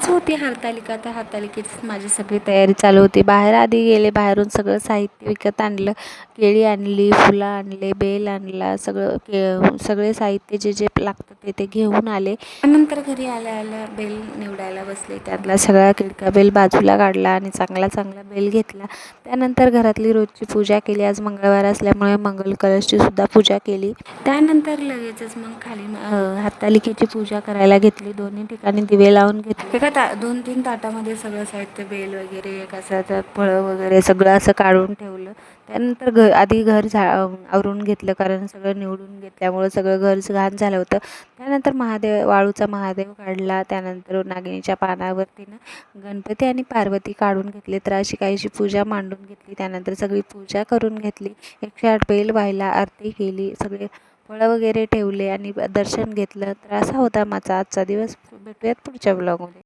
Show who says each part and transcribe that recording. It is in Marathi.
Speaker 1: होती हरतालिका, तर हरतालिकेचीच माझी सगळी तयारी चालू होती. बाहेर आधी गेले, बाहेरून सगळं साहित्य विकत आणलं. केळी आणली, फुलं आणले, बेल आणला, सगळे साहित्य जे जे लागतं ते घेऊन आले. त्यानंतर घरी आल्या बेल निवडायला बसले. त्यातला सगळा किडका बेल बाजूला काढला आणि चांगला बेल घेतला. त्यानंतर घरातली रोजची पूजा केली. आज मंगळवार असल्यामुळे मंगल कलशची सुद्धा पूजा केली. त्यानंतर लगेचच मग खाली हरतालिकेची पूजा करायला घेतली. दोन्ही ठिकाणी दिवे लावून घेतले. एका 2-3 ताटामध्ये सगळं साहित्य, बेल वगैरे, कशाचं फळं वगैरे सगळं असं काढून ठेवलं. त्यानंतर आधी घर आवरून घेतलं, कारण सगळं निवडून घेतल्यामुळं सगळं घर घाण झालं होतं. त्यानंतर वाळूचा महादेव काढला. त्यानंतर नागिनीच्या पानावरतीनं गणपती आणि पार्वती काढून घेतले. तर अशी काहीशी पूजा मांडून घेतली. त्यानंतर सगळी पूजा करून घेतली. 108 बेल व्हायला आरती केली. सगळे फळं वगैरे ठेवले आणि दर्शन घेतलं. तर असा होता माझा आजचा दिवस. भेटूयात पुढच्या ब्लॉगमध्ये.